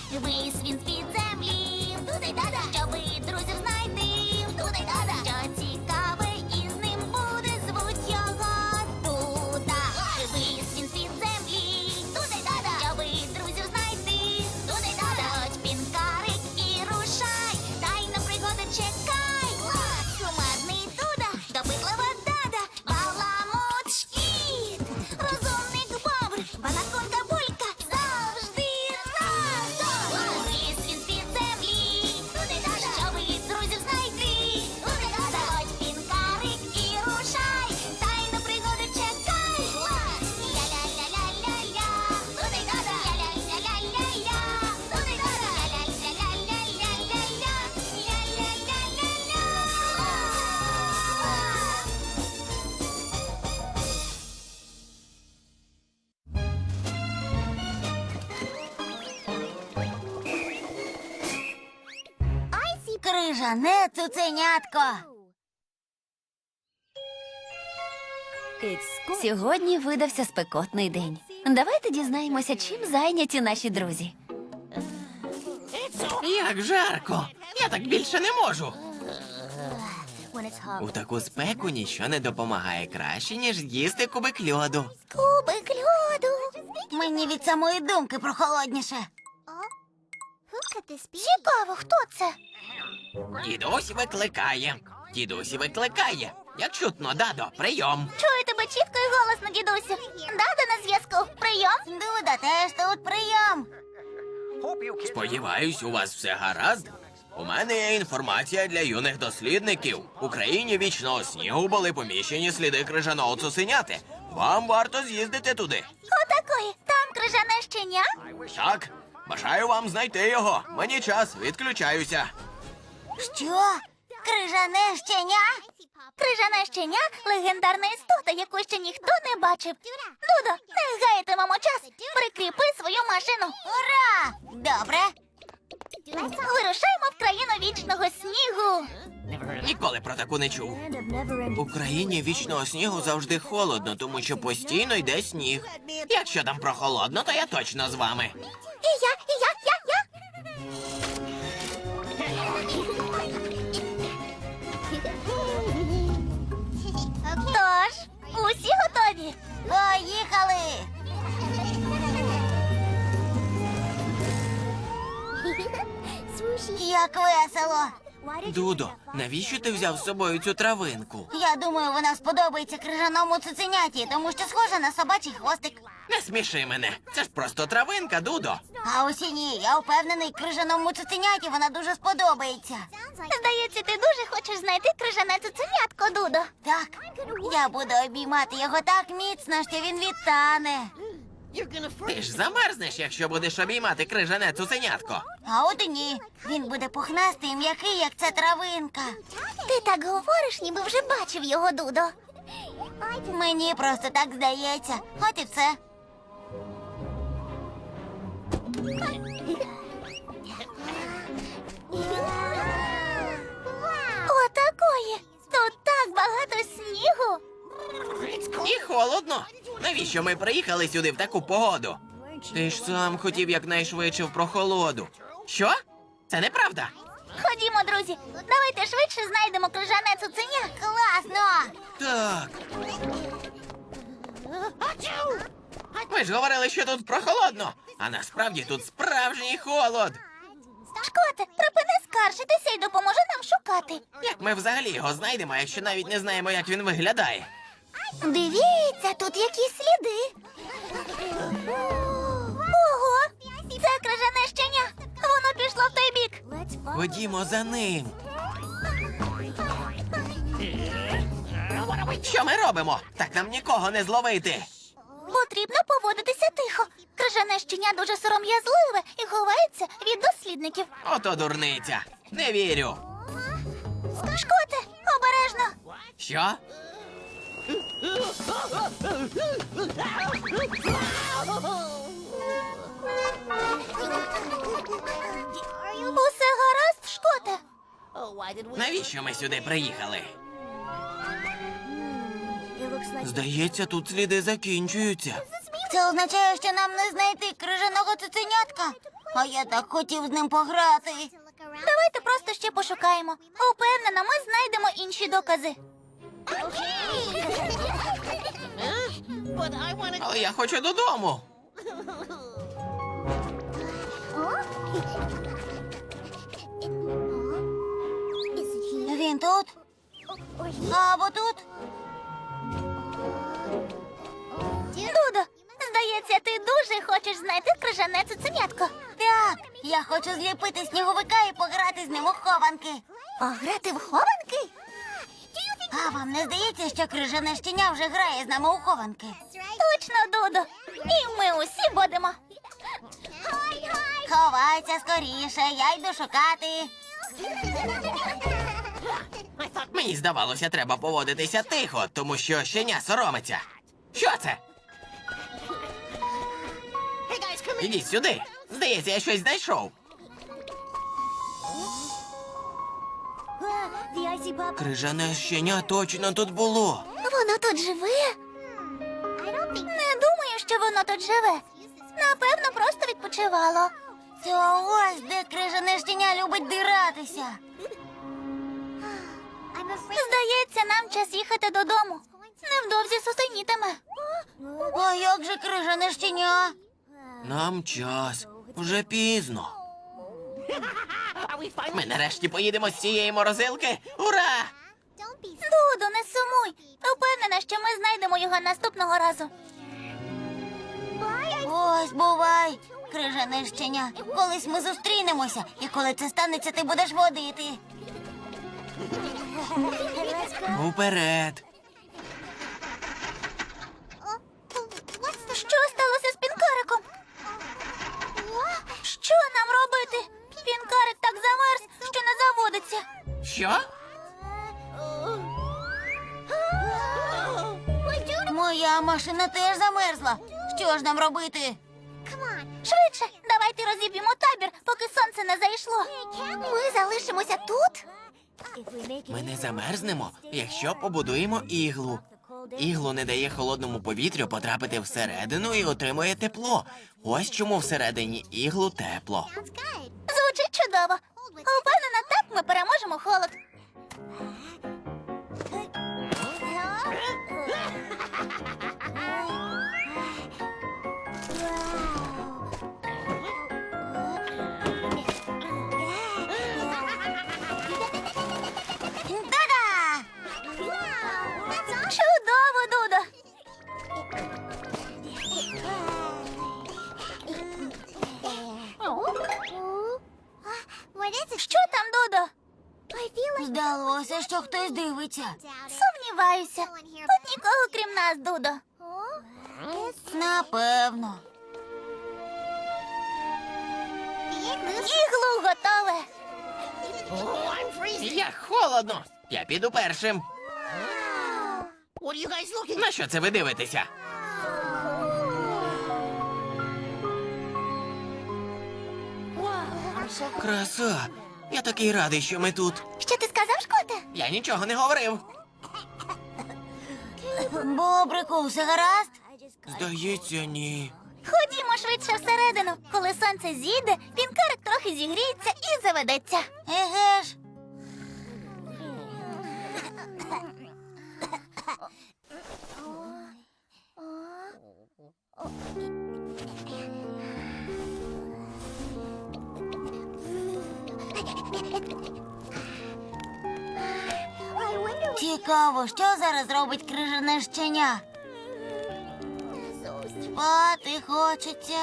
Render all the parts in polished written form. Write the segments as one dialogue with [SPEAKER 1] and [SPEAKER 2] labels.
[SPEAKER 1] Вись він з-під землі, туди-дада, щоби друзів знайти, туди-дада. Що цікаве із ним буде, звуть його Дуда. Вись він з-під землі, туди-дада, щоби друзів знайти, туди-дада. Хоч пінкарик і рушай, тайна пригода чекай. Кумедний Дуда, допитлива дада, баламут шкіт, розумник бобр, банаконка булька, завжди разом. Ліс він з-під землі, туди-дада, щоби друзів знайти, туди-дада. Хоч пінкарик і рушай, тайну пригоду чекай. Ля-ля-ля-ля-ля-ля, туди-дада, ля-ля-ля-ля-ля-ля, туди-дада, ля-ля-ля-ля-ля-ля-ля, ля-ля-ля-ля-ля. Крижане цуценятко.
[SPEAKER 2] Сьогодні видався спекотний день. Давайте дізнаємося, чим зайняті наші друзі.
[SPEAKER 3] Як жарко! Я так більше не можу. У таку спеку нічого не допомагає краще, ніж з'їсти кубик льоду.
[SPEAKER 1] Кубик льоду. Мені від самої думки прохолодніше. Цікаво, хто це?
[SPEAKER 3] Дідусь викликає. Дідусь викликає. Як чутно, дадо, прийом.
[SPEAKER 1] Чую тебе чітко і голосно, дідусю. Дада на зв'язку. Прийом? Дуда, теж тут прийом.
[SPEAKER 3] Сподіваюсь, у вас все гаразд? У мене є інформація для юних дослідників. В Україні вічного снігу були поміщені сліди крижаного цуценяти. Вам варто з'їздити туди.
[SPEAKER 1] Отакої. Там крижане щеня?
[SPEAKER 3] Так, бажаю вам знайти його. Мені час, відключаюся.
[SPEAKER 1] Що? Крижане щеня? Крижане щеня – легендарна істота, яку ще ніхто не бачив. Дудо, не гайтимемо час. Прикріпи свою машину. Ура! Добре. Вирушаємо в країну вічного снігу.
[SPEAKER 3] Ніколи про таку не чув. У країні вічного снігу завжди холодно, тому що постійно йде сніг. Якщо там прохолодно, то я точно з вами.
[SPEAKER 1] І я. Тож, усі готові? Поїхали! Як весело!
[SPEAKER 3] Дудо, навіщо ти взяв з собою цю травинку?
[SPEAKER 1] Я думаю, вона сподобається крижаному цуценяті, тому що схожа на собачий хвостик.
[SPEAKER 3] Не сміши мене. Це ж просто травинка, Дудо.
[SPEAKER 1] А ось і ні, я впевнений, крижаному цуценяті вона дуже сподобається. Здається, ти дуже хочеш знайти крижане цуценятко, Дудо. Так, я буду обіймати його так міцно, що він відтане.
[SPEAKER 3] Ти ж замерзнеш, якщо будеш обіймати крижане цуценятко.
[SPEAKER 1] А от і ні, він буде пухнастий і м'який, як ця травинка. Ти так говориш, ніби вже бачив його, Дудо. Мені просто так здається. От і все. Отакої! Тут так багато снігу.
[SPEAKER 3] І холодно. Навіщо ми приїхали сюди в таку погоду? Ти ж сам хотів якнайшвидше в прохолоду. Що? Це неправда.
[SPEAKER 1] Ходімо, друзі, давайте швидше знайдемо крижане цуценя. Класно!
[SPEAKER 3] Так. Ви ж говорили, що тут прохолодно, а насправді тут справжній холод.
[SPEAKER 1] Шкоте, припини скаржитися і допоможи нам шукати.
[SPEAKER 3] Як ми взагалі його знайдемо, якщо навіть не знаємо, як він виглядає?
[SPEAKER 1] Дивіться, тут якісь сліди. Ого! Це крижане щеня. Воно пішло в той бік.
[SPEAKER 3] Ходімо за ним. Що ми робимо? Так нам нікого не зловити.
[SPEAKER 1] Потрібно поводитися тихо. Крижане щеня дуже сором'язливе і ховається від дослідників.
[SPEAKER 3] Ото дурниця. Не вірю.
[SPEAKER 1] Шкоте, обережно.
[SPEAKER 3] Що?
[SPEAKER 1] Усе гаразд, Шкоте?
[SPEAKER 3] Навіщо ми сюди приїхали? Здається, тут сліди закінчуються.
[SPEAKER 1] Це означає, що нам не знайти крижаного цуценятка. А я так хотів з ним пограти. Давайте просто ще пошукаємо. Упевнена, ми знайдемо інші докази.
[SPEAKER 3] Але я хочу додому.
[SPEAKER 1] Він тут? Або тут? Дудо, здається, ти дуже хочеш знайти крижане цуценятко. Так, я хочу зліпити сніговика і пограти з ним у хованки. Пограти в хованки? А вам не здається, що крижане щеня вже грає з нами у хованки? Точно, Дудо. І ми усі будемо. Ховайся скоріше, я йду шукати.
[SPEAKER 3] Мені здавалося, треба поводитися тихо, тому що щеня соромиться. Що це? Ідіть сюди. Здається, я щось знайшов. Крижане щеня точно тут було.
[SPEAKER 1] Воно тут живе? Не думаю, що воно тут живе. Напевно, просто відпочивало. То ось де крижане щеня любить диратися. Здається, нам час їхати додому. Невдовзі сусенітиме. А як же крижане щеня?
[SPEAKER 3] Нам час. Вже пізно. Ми нарешті поїдемо з цієї морозилки. Ура!
[SPEAKER 1] Дудо, не сумуй. Впевнена, що ми знайдемо його наступного разу. Ось, бувай, крижане щеня. Колись ми зустрінемося, і коли це станеться, ти будеш водити.
[SPEAKER 3] Уперед.
[SPEAKER 1] Що сталося з пінкариком? Що нам робити? Пінкарик так замерз, що не заводиться.
[SPEAKER 3] Що?
[SPEAKER 1] Моя машина теж замерзла. Що ж нам робити? Швидше, давайте розіб'ємо табір, поки сонце не зайшло. Ми залишимося тут?
[SPEAKER 3] Ми не замерзнемо, якщо побудуємо іглу. Іглу не дає холодному повітрю потрапити всередину і отримує тепло. Ось чому всередині іглу тепло.
[SPEAKER 1] Звучить чудово. Упевнена, так ми переможемо холод. Та-да! Чудово, Дудо! Що там, Дудо? Здалося, що хтось дивиться. Сумніваюся. Тут нікого, крім нас, Дудо. Напевно. Іглу готове.
[SPEAKER 3] Як холодно! Я піду першим. На що це ви дивитеся? Краса! Я такий радий, що ми тут.
[SPEAKER 1] Що ти сказав, Шкоте?
[SPEAKER 3] Я нічого не говорив.
[SPEAKER 1] Бобрику, все гаразд?
[SPEAKER 3] Здається, ні.
[SPEAKER 1] Ходімо швидше всередину. Коли сонце зійде, пінкарик трохи зігріється і заведеться. Еге ж. Цікаво, що зараз робить крижане щеня? Спати хочеться.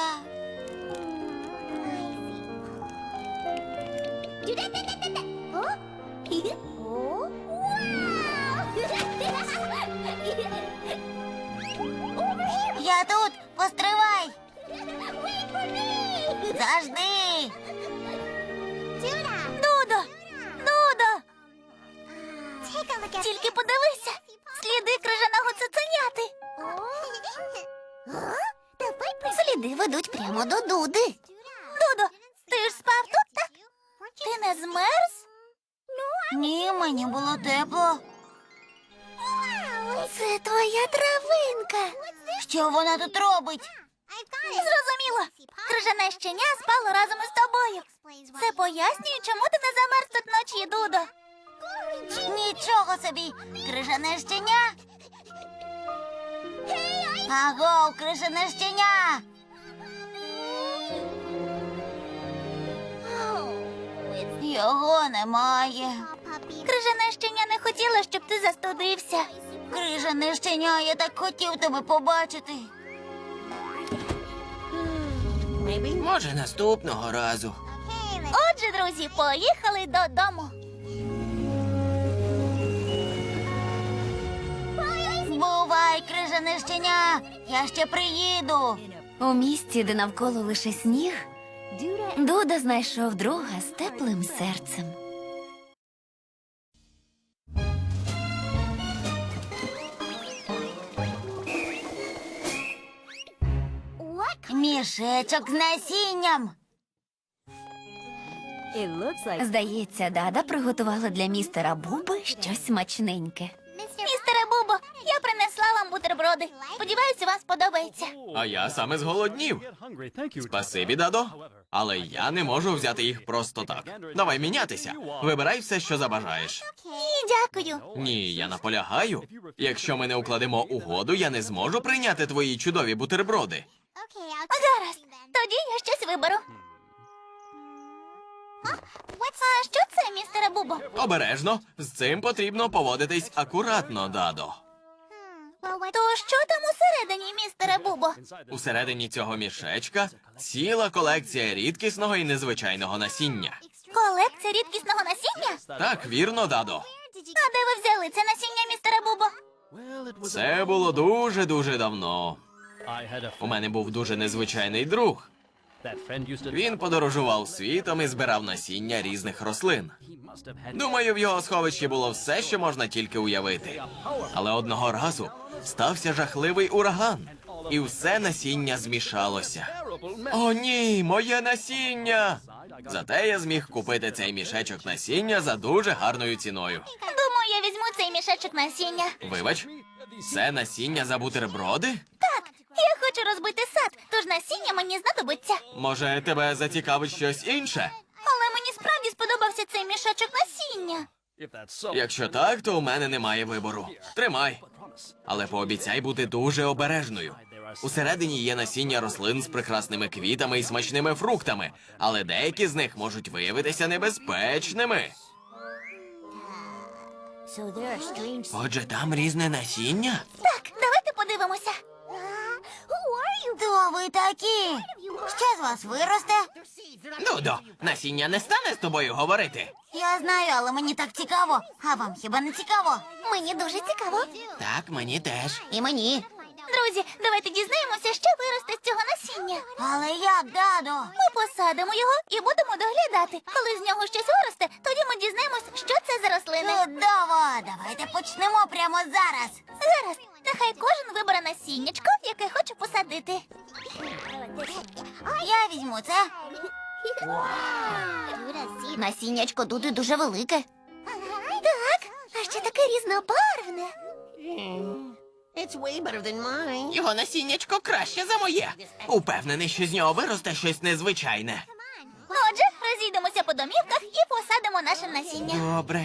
[SPEAKER 1] Я тут, постривай. Завжди. Дудо! Дудо! Тільки подивися. Сліди крижаного цуценяти. Сліди ведуть прямо до Дуди. Дудо, ти ж спав тут, так? Ти не змерз? Ні, мені було тепло. Це твоя травинка. Що вона тут робить? Зрозуміло. Крижане щеня спало разом із тобою. Це пояснює, чому ти не замерз тут вночі, Дудо. Нічого собі. Крижане щеня. Агов, крижане щеня. Його немає. Крижане щеня не хотіла, щоб ти застудився. Крижане щеня, я так хотів тебе побачити.
[SPEAKER 3] Може, наступного разу.
[SPEAKER 1] Отже, друзі, поїхали додому. Бувай, крижане щеня, я ще приїду.
[SPEAKER 2] У місті, де навколо лише сніг, Дуда знайшов друга з теплим серцем.
[SPEAKER 1] Мішечок з насінням.
[SPEAKER 2] Здається, Дада приготувала для містера Буби щось смачненьке.
[SPEAKER 1] Містере Бубо, я принесла вам бутерброди. Сподіваюся, вам сподобається.
[SPEAKER 3] А я саме зголоднів. Спасибі, Дадо. Але я не можу взяти їх просто так. Давай мінятися. Вибирай все, що забажаєш.
[SPEAKER 1] Ні, дякую.
[SPEAKER 3] Ні, я наполягаю. Якщо ми не укладемо угоду, я не зможу прийняти твої чудові бутерброди.
[SPEAKER 1] Гаразд, тоді я щось виберу. А що це, містере Бубо?
[SPEAKER 3] Обережно, з цим потрібно поводитись акуратно, Дадо.
[SPEAKER 1] То що там усередині, містере Бубо?
[SPEAKER 3] Усередині цього мішечка ціла колекція рідкісного і незвичайного насіння.
[SPEAKER 1] Колекція рідкісного насіння?
[SPEAKER 3] Так, вірно, Дадо.
[SPEAKER 1] А де ви взяли це насіння, містере Бубо?
[SPEAKER 3] Це було дуже-дуже давно. У мене був дуже незвичайний друг. Він подорожував світом і збирав насіння різних рослин. Думаю, в його сховищі було все, що можна тільки уявити. Але одного разу стався жахливий ураган, і все насіння змішалося. О, ні, моє насіння! Зате я зміг купити цей мішечок насіння за дуже гарною ціною.
[SPEAKER 1] Думаю, я візьму цей мішечок насіння.
[SPEAKER 3] Вибач, це насіння за бутерброди?
[SPEAKER 1] Так, я хочу розбити сад, тож насіння мені знадобиться.
[SPEAKER 3] Може, тебе зацікавить щось інше?
[SPEAKER 1] Але мені справді сподобався цей мішечок насіння.
[SPEAKER 3] Якщо так, то у мене немає вибору. Тримай. Але пообіцяй бути дуже обережною. Усередині є насіння рослин з прекрасними квітами і смачними фруктами, але деякі з них можуть виявитися небезпечними. Отже, там різне насіння?
[SPEAKER 1] Так, давайте подивимося. Хто ви такі? Що з вас виросте?
[SPEAKER 3] Дудо, насіння не стане з тобою говорити.
[SPEAKER 1] Я знаю, але мені так цікаво. А вам хіба не цікаво? Мені дуже цікаво.
[SPEAKER 3] Так, мені теж.
[SPEAKER 1] І мені. Друзі, давайте дізнаємося, що виросте з цього насіння. Але як, Дадо? Ми посадимо його і будемо доглядати. Коли з нього щось виросте, тоді ми дізнаємось, що це за рослини. Чудово! Давайте почнемо прямо зараз. Зараз. Нехай кожен вибере насіннячко, яке хоче посадити. Я візьму це. Насіннячко Дуди дуже велике. Так, а ще таке різнобарвне.
[SPEAKER 3] Його насіннячко краще за моє. Упевнений, що з нього виросте щось незвичайне.
[SPEAKER 1] Отже, розійдемося по домівках і посадимо наше насіння.
[SPEAKER 3] Добре.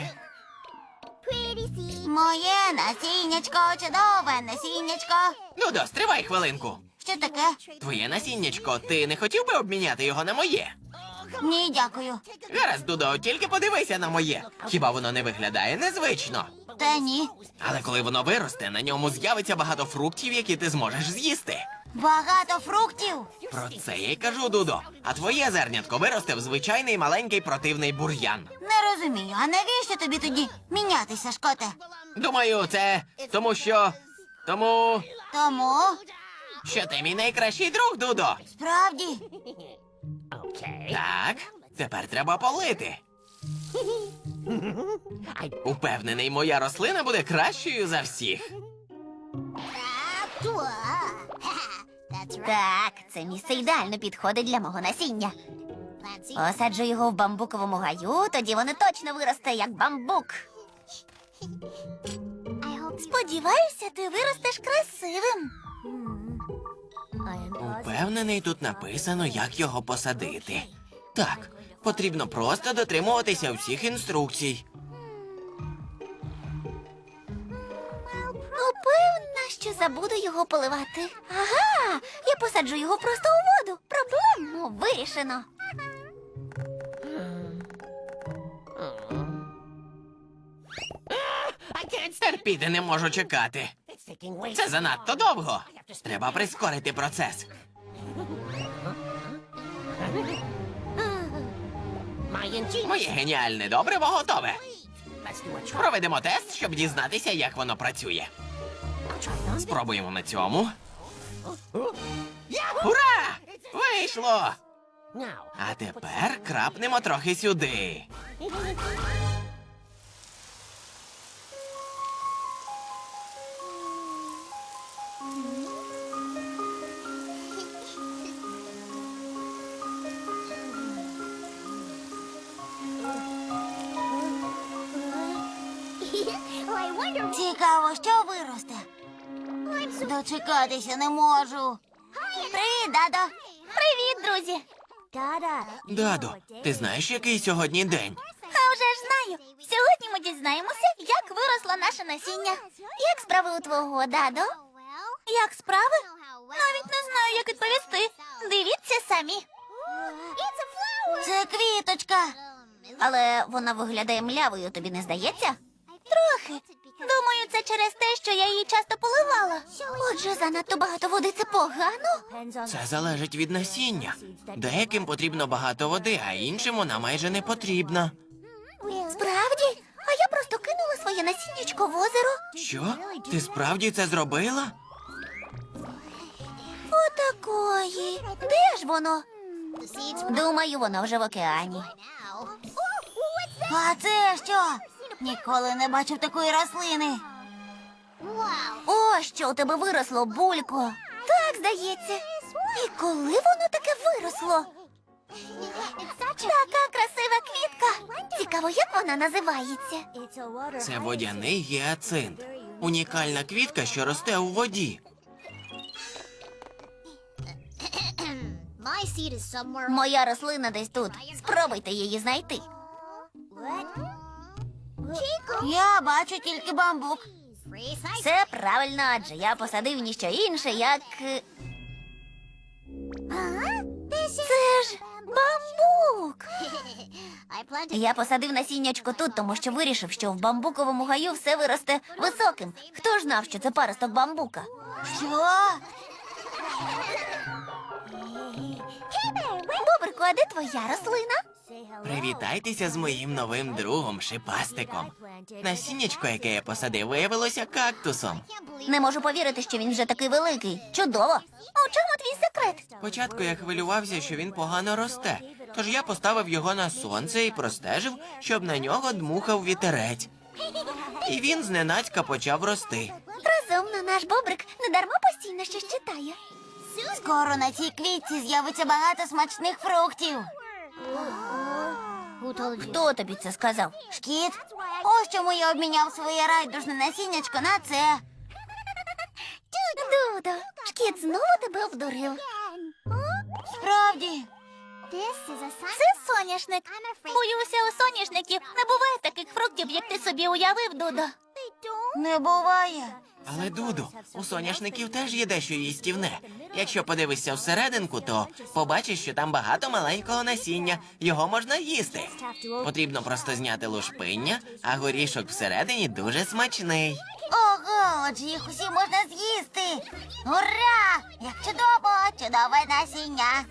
[SPEAKER 1] Моє насіннячко, чудове насіннячко.
[SPEAKER 3] Дудо, стривай хвилинку.
[SPEAKER 1] Що таке?
[SPEAKER 3] Твоє насіннячко, ти не хотів би обміняти його на моє?
[SPEAKER 1] Ні, дякую.
[SPEAKER 3] Гаразд, Дудо, тільки подивися на моє. Хіба воно не виглядає незвично?
[SPEAKER 1] Та ні.
[SPEAKER 3] Але коли воно виросте, на ньому з'явиться багато фруктів, які ти зможеш з'їсти.
[SPEAKER 1] Багато фруктів.
[SPEAKER 3] Про це я й кажу, Дудо. А твоє зернятко виросте в звичайний маленький противний бур'ян.
[SPEAKER 1] Не розумію, а навіщо тобі тоді мінятися, Шкоте?
[SPEAKER 3] Думаю, це тому Тому,
[SPEAKER 1] Тому,
[SPEAKER 3] що ти мій найкращий друг, Дудо.
[SPEAKER 1] справді,
[SPEAKER 3] Так, тепер треба полити. Упевнений, моя рослина буде кращою за всіх.
[SPEAKER 1] так, це місце ідеально підходить для мого насіння. Посаджу його в бамбуковому гаю, тоді воно точно виросте, як бамбук. Сподіваюся, ти виростеш красивим.
[SPEAKER 3] Упевнений, тут написано, як його посадити. Так, потрібно просто дотримуватися всіх інструкцій.
[SPEAKER 2] Упевнена, що забуду його поливати. Ага, я посаджу його просто у воду. Проблему вирішено.
[SPEAKER 3] Терпіти не можу чекати. Це занадто довго. Треба прискорити процес. Моє геніальне добриво готове. Проведемо тест, щоб дізнатися, як воно працює. Спробуємо на цьому. Ура! Вийшло! А тепер крапнемо трохи сюди.
[SPEAKER 1] Цікаво, що виросте. Дочекатися не можу. Привіт, Дадо.
[SPEAKER 2] Привіт, друзі.
[SPEAKER 3] Дадо, ти знаєш, який сьогодні день?
[SPEAKER 2] А вже ж знаю. Сьогодні ми дізнаємося, як виросло наше насіння. Як справи у твого, Дадо? Як справи? Навіть не знаю, як відповісти. Дивіться самі.
[SPEAKER 1] Це квіточка.
[SPEAKER 2] Але вона виглядає млявою, тобі не здається? Трохи. Думаю, це через те, що я її часто поливала. Отже, занадто багато води – це погано?
[SPEAKER 3] Це залежить від насіння. Деяким потрібно багато води, а іншим вона майже не потрібна.
[SPEAKER 2] Справді? А я просто кинула своє насіннячко в озеро.
[SPEAKER 3] Що? Ти справді це зробила?
[SPEAKER 2] Отакої. Де ж воно? Думаю, воно вже в океані.
[SPEAKER 1] А це що? Ніколи не бачив такої рослини.
[SPEAKER 2] О, що у тебе виросло, булько. Так, здається. І коли воно таке виросло? Така красива квітка. Цікаво, як вона називається?
[SPEAKER 3] Це водяний гіацинт. Унікальна квітка, що росте у воді.
[SPEAKER 2] Моя рослина десь тут. Спробуйте її знайти.
[SPEAKER 1] Я бачу тільки бамбук.
[SPEAKER 2] Це правильно, адже я посадив ніщо інше, як... Це ж бамбук! Я посадив насіннячко тут, тому що вирішив, що в бамбуковому гаю все виросте високим. Хто ж знав, що це паросток бамбука?
[SPEAKER 1] Що?
[SPEAKER 2] Бобрику, а де твоя рослина?
[SPEAKER 3] Привітайтеся з моїм новим другом Шипастиком. Насіннячко, яке я посадив, виявилося кактусом.
[SPEAKER 2] Не можу повірити, що він вже такий великий. Чудово! А у чому твій секрет?
[SPEAKER 3] Спочатку я хвилювався, що він погано росте, тож я поставив його на сонце і простежив, щоб на нього дмухав вітерець. І він зненацька почав рости.
[SPEAKER 2] Розумно, наш бобрик недарма постійно щось читає.
[SPEAKER 1] Скоро на цій квітці з'явиться багато смачних фруктів.
[SPEAKER 2] Хто тобі це сказав?
[SPEAKER 1] Шкіт, ось чому я обміняв своє райдужне насіннячко на це.
[SPEAKER 2] Дудо, шкіт знову тебе обдурив.
[SPEAKER 1] Справді.
[SPEAKER 2] Це соняшник. Боюся, у соняшників не буває таких фруктів, як ти собі уявив, Дудо.
[SPEAKER 1] Не буває.
[SPEAKER 3] Але, Дуду, у соняшників теж є дещо їстівне. Якщо подивишся всерединку, то побачиш, що там багато маленького насіння. Його можна їсти. Потрібно просто зняти лушпиння, а горішок всередині дуже смачний.
[SPEAKER 1] Ого, отже їх усі можна з'їсти. Ура! Як чудово! Чудове насіння.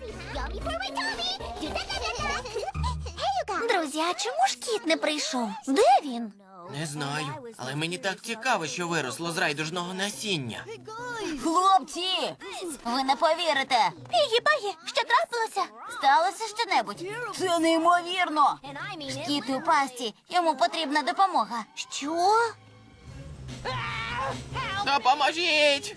[SPEAKER 2] Друзі, а чому ж кіт не прийшов? Де він?
[SPEAKER 3] Не знаю, але мені так цікаво, що виросло з райдужного насіння.
[SPEAKER 1] Хлопці, ви не повірите.
[SPEAKER 2] Пігі-пагі, що трапилося?
[SPEAKER 1] Сталося щонебудь? Це неймовірно. Шкіт у пасті, йому потрібна допомога.
[SPEAKER 2] Що?
[SPEAKER 3] Допоможіть!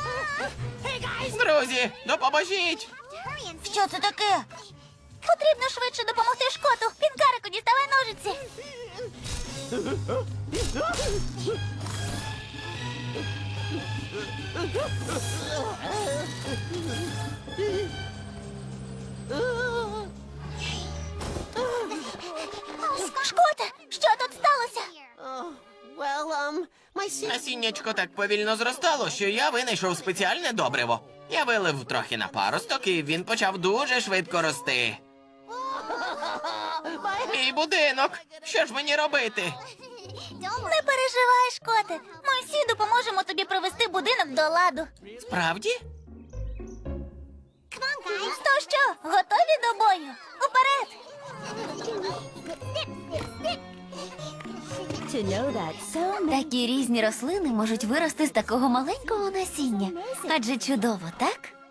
[SPEAKER 3] Друзі, допоможіть!
[SPEAKER 1] Що це таке?
[SPEAKER 2] Потрібно швидше допомогти Шкоту. Пінкарику, діставай ножиці.
[SPEAKER 3] насіннячко так повільно зростало, що я винайшов спеціальне добриво. Я вилив трохи на паросток, і він почав дуже швидко рости. Мій будинок! Що ж мені робити?
[SPEAKER 2] Не переживай, Шкоте. Ми всі допоможемо тобі привести будинок до ладу.
[SPEAKER 3] Справді?
[SPEAKER 2] То що, готові до бою? Уперед! Такі різні рослини можуть вирости з такого маленького насіння. Адже чудово, так?